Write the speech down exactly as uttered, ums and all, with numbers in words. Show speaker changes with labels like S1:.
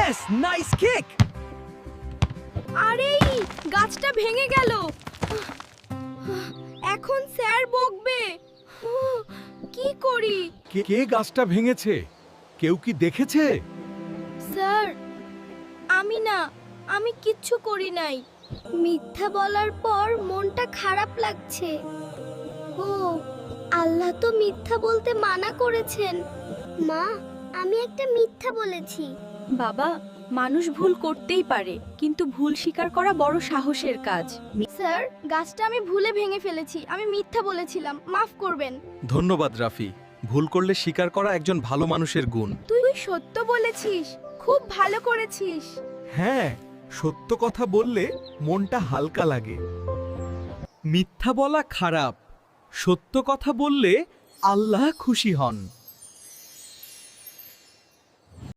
S1: Yes, nice kick.
S2: আরে গাছটা ভেঙে গেল। এখন স্যার বকবে। কি করি?
S1: কে কে গাছটা ভেঙেছে? কেউ কি দেখেছে?
S2: স্যার, আমি না, আমি কিচ্ছু করি নাই। মিথ্যা বলার পর মনটা খারাপ লাগছে। ও, আল্লাহ তো মিথ্যা বলতে মানা করেছেন। মা, আমি একটা মিথ্যা বলেছি।
S3: বাবা, মানুষ ভুল করতেই পারে, কিন্তু ভুল স্বীকার করা বড় সাহসের কাজ।
S2: স্যার, গাছটা আমি ভুলে ভেঙে ফেলেছি। আমি মিথ্যা বলেছিলাম, মাফ করবেন।
S4: ধন্যবাদ রাফি। ভুল করলে স্বীকার করা একজন ভালো মানুষের গুণ।
S2: তুই সত্য বলেছিস, খুব ভালো করেছিস।
S1: হ্যাঁ, সত্য কথা বললে মনটা হালকা লাগে। মিথ্যা বলা খারাপ, সত্য কথা বললে আল্লাহ খুশি হন।